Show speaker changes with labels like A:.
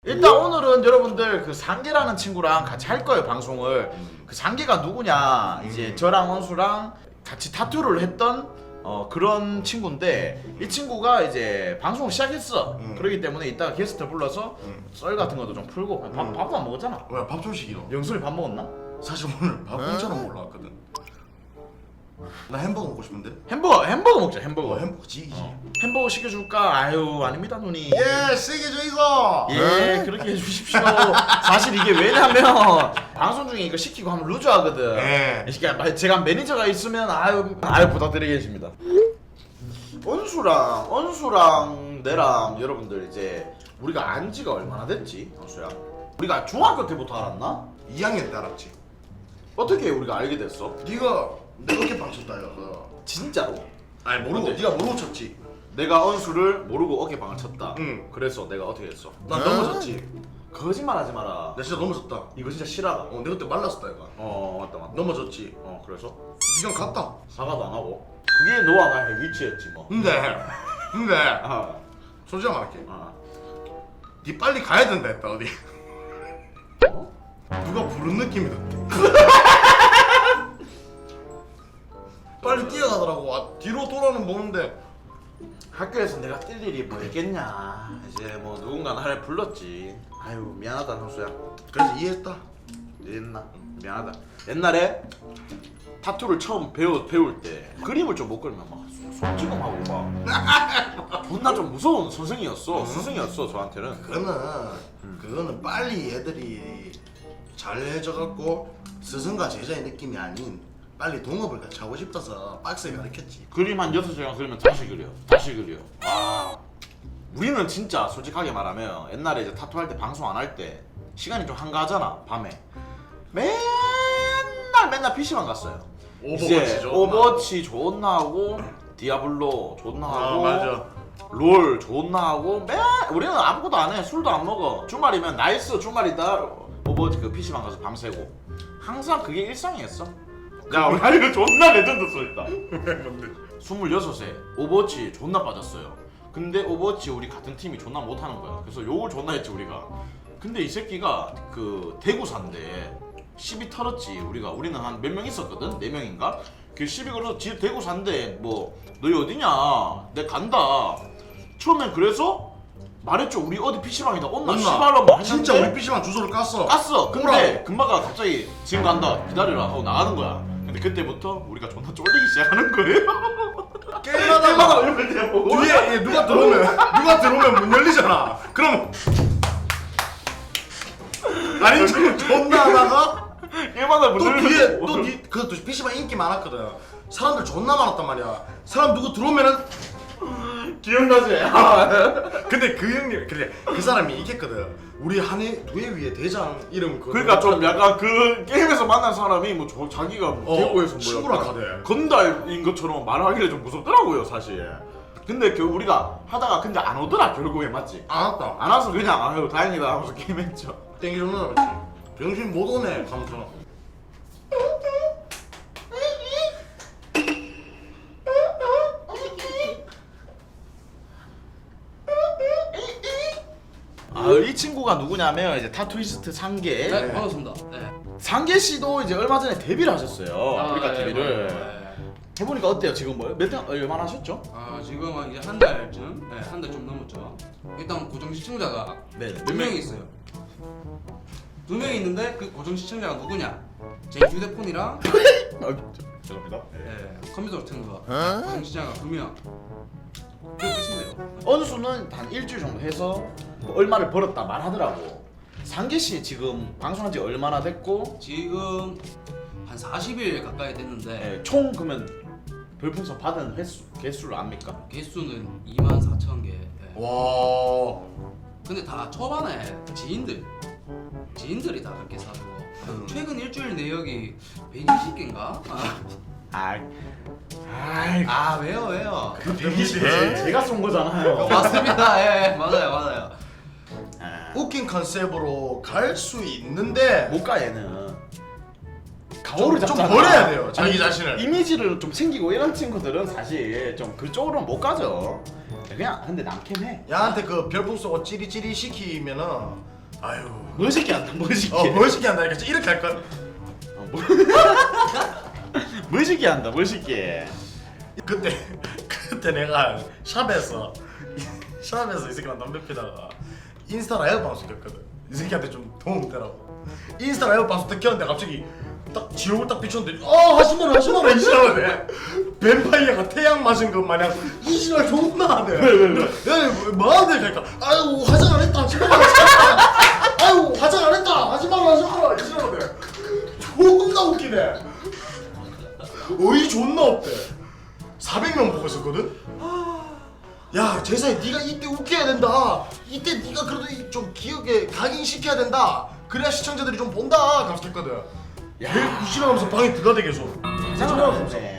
A: 일단 오늘은 여러분들 그 상계라는 친구랑 같이 할 거예요 방송을. 그 상계가 누구냐 이제 저랑 원수랑 같이 타투를 했던 그런 친구인데 이 친구가 이제 방송을 시작했어. 그렇기 때문에 이따가 게스트 불러서 썰 같은 것도 좀 풀고 밥도 안 먹었잖아.
B: 왜 밥 좀 시키노?
A: 영순이 밥 먹었나?
B: 사실 오늘 밥 공짜로 먹으러 왔거든. 나 햄버거 먹고 싶은데.
A: 햄버거 먹자. 햄버거.
B: 햄버거 지기지.
A: 햄버거 시켜줄까? 아유 아닙니다 누님.
B: 예, 세게 줘 있어.
A: 예 그렇게 해주십시오. 사실 이게 왜냐면 방송 중에 이거 시키고 하면 루즈하거든.
B: 예.
A: 제가 매니저가 있으면 아유 부탁드리겠습니다. 언수랑 내랑 여러분들 이제 우리가 안 지가 얼마나 됐지? 언수야 우리가 중학교 때부터 알았나?
B: 2학년 때 알았지.
A: 어떻게 우리가 알게 됐어?
B: 네가 내 어깨 방쳤다 이거.
A: 진짜로?
B: 아니 모르고
A: 근데-
B: 네가 모르고 쳤지.
A: 내가 언수를 모르고 어깨방을 쳤다.
B: 응.
A: 그래서 내가 어떻게 했어?
B: 난 넘어졌지.
A: 거짓말하지 마라.
B: 나 진짜 넘어졌다.
A: 이거 진짜 실화다.
B: 내 그때 말랐었다 이거.
A: 맞다.
B: 넘어졌지.
A: 그래서
B: 네가 갔다.
A: 사과도 안 하고. 그게 너와 나의 위치였지 뭐.
B: 근데
A: 아,
B: 솔직히 말할게.
A: 아.
B: 네 빨리 가야 된다 했다 어디.
A: 어?
B: 누가 부른 느낌이다. 빨리 뛰어가더라고. 뒤로 돌아는 보는데
A: 학교에서 내가 뛸 일이 뭐 있겠냐. 이제 뭐 누군가 나를 불렀지. 아유 미안하다 형수야.
B: 그래서 이해했다.
A: 이랬나? 미안하다. 옛날에 타투를 처음 배울 때 그림을 좀 못 그리면 막 손찌검하고 막 존나 좀 무서운 선생이었어. 스승이었어 저한테는.
B: 그거는 빨리 애들이 잘해져갖고 스승과 제자의 느낌이 아닌 빨리 동업을 같이 하고 싶어서 빡세게 가르쳤지.
A: 그림 한 6시간 그리면 다시 그려. 와. 우리는 진짜 솔직하게 말하면 옛날에 이제 타투 할 때 방송 안 할 때 시간이 좀 한가하잖아 밤에. 맨날 PC방 갔어요.
B: 오버워치 존나
A: 오버워치 존나 하고 디아블로 존나 하고
B: 맞아.
A: 롤 존나 하고 우리는 아무것도 안 해. 술도 안 먹어. 주말이면 나이스 주말이다. 오버워치 그 PC방 가서 밤새고 항상 그게 일상이었어. 야 우리 이거 존나 레전드 소리다. 26세 오버워치 존나 빠졌어요. 근데 오버워치 우리 같은 팀이 존나 못하는 거야. 그래서 욕을 존나 했지 우리가. 근데 이 새끼가 그 대구산데 시비 털었지. 우리는 한 몇 명 있었거든? 4명인가? 그 시비 걸어서 지 대구 산대. 뭐 너희 어디냐? 내 간다. 처음엔 그래서 말했죠. 우리 어디 PC방이다 온나 씨발로 막
B: 진짜
A: 했는데
B: 우리 PC방 주소를 깠어.
A: 근데
B: 오라고.
A: 금마가 갑자기 지금 간다 기다려라 하고 나가는 거야. 근데 그때부터 우리가 존나 쫄리기 시작하는 거예요.
B: 게임하다가
A: 얼굴 대보고
B: 뒤에 누가 들어오면 문 열리잖아. 그럼 아닌 척 존나 하다가
A: 게임하다 문
B: 또
A: 열리면
B: 뒤에
A: 뭐.
B: 또 그것도 PC방 인기 많았거든. 사람들 존나 많았단 말이야. 사람 누구 들어오면은
A: 기억나지?
B: 근데 그 형님 그 사람이 이겼거든. 우리 두 해 위에 대장 이름
A: 그러니까 좀 약간 그 게임에서 만난 사람이 뭐 자기가 대구에서
B: 친구라
A: 뭐
B: 카대.
A: 건달인 것처럼 말하기를 좀 무섭더라고요 사실. 근데 우리가 하다가 근데 안 오더라 결국에. 맞지?
B: 안 왔다.
A: 안 와서 그냥 아유 다행이다 하면서 게임했죠.
B: 땡기 좀 나왔지. 병신 못 오네. 하면서
A: 이 친구가 누구냐면 이제 타투이스트 상계.
C: 네, 반갑습니다. 네.
A: 상계 씨도 이제 얼마 전에 데뷔를 하셨어요. 아프리카
C: 네,
A: TV를.
C: 네.
A: 해보니까 어때요? 지금 뭐 얼마나 하셨죠?
C: 지금은 이제 한 달쯤, 한 달 좀 넘었죠. 일단 고정 시청자가
A: 네.
C: 두 명이 있어요. 2명이 있는데 그 고정 시청자가 누구냐? 제 휴대폰이랑
A: 죄송합니다.
C: 컴퓨터로 튼 거. 고정 시청자가 2명. 그게 끝이네요.
A: 어느 수는 한 일주일 정도 해서 뭐 얼마를 벌었다 말하더라고. 상계 씨 지금 방송한 지 얼마나 됐고
C: 지금 한 40일 가까이 됐는데
A: 총 그러면 별풍선 받은 개수를 압니까?
C: 개수는 24,000개.
B: 와.
C: 근데 다 초반에 지인들이 다 그렇게 사주고 최근 일주일 내역이 120개인가? 왜요?
A: 그 120개 제가 쏜 거잖아요.
C: 맞습니다. 예, 맞아요.
B: 웃긴 컨셉으로 갈 수 있는데
A: 못 가 얘는.
B: 좀
A: 잡잖아.
B: 버려야 돼요, 자기 자신을.
A: 이미지를 좀 챙기고 이런 친구들은 사실 좀 그쪽으로는 못 가죠. 그냥 근데 남캠 해.
B: 야한테 그 별풍 쏘고 찌리찌리 시키면은 아유
A: 멋있게 한다 멋있게.
B: 멋있게 한다니까 이렇게 할걸.
A: 멋있게 한다 멋있게.
B: 그때 내가 샵에서 이 새끼랑 담배 피다가 인스타 라이브 방송 켰거든. 이 새끼한테 좀 도움 되라고. 인스타 라이브 방송 딱 켰는데 갑자기 딱 지옥을 딱 비췄는데 하지마라 이시라네. 뱀파이어가 태양 맞은 것 마냥 이시라 존나 하네. 야 뭐하네 그러니까 아유 화장 안 했다 하지마라 아유 화장 안 했다 하지마라 이시라네. 존나 웃기네. 어이 존나 없대. 400명 보고 있었거든? 야 제사에 네가 이때 웃겨야 된다. 이때 네가 그래도 좀 기억에 각인시켜야 된다. 그래야 시청자들이 좀 본다. 감사했거든. 야 이시라면서 방에 들어가대 계속.
A: 상관없네.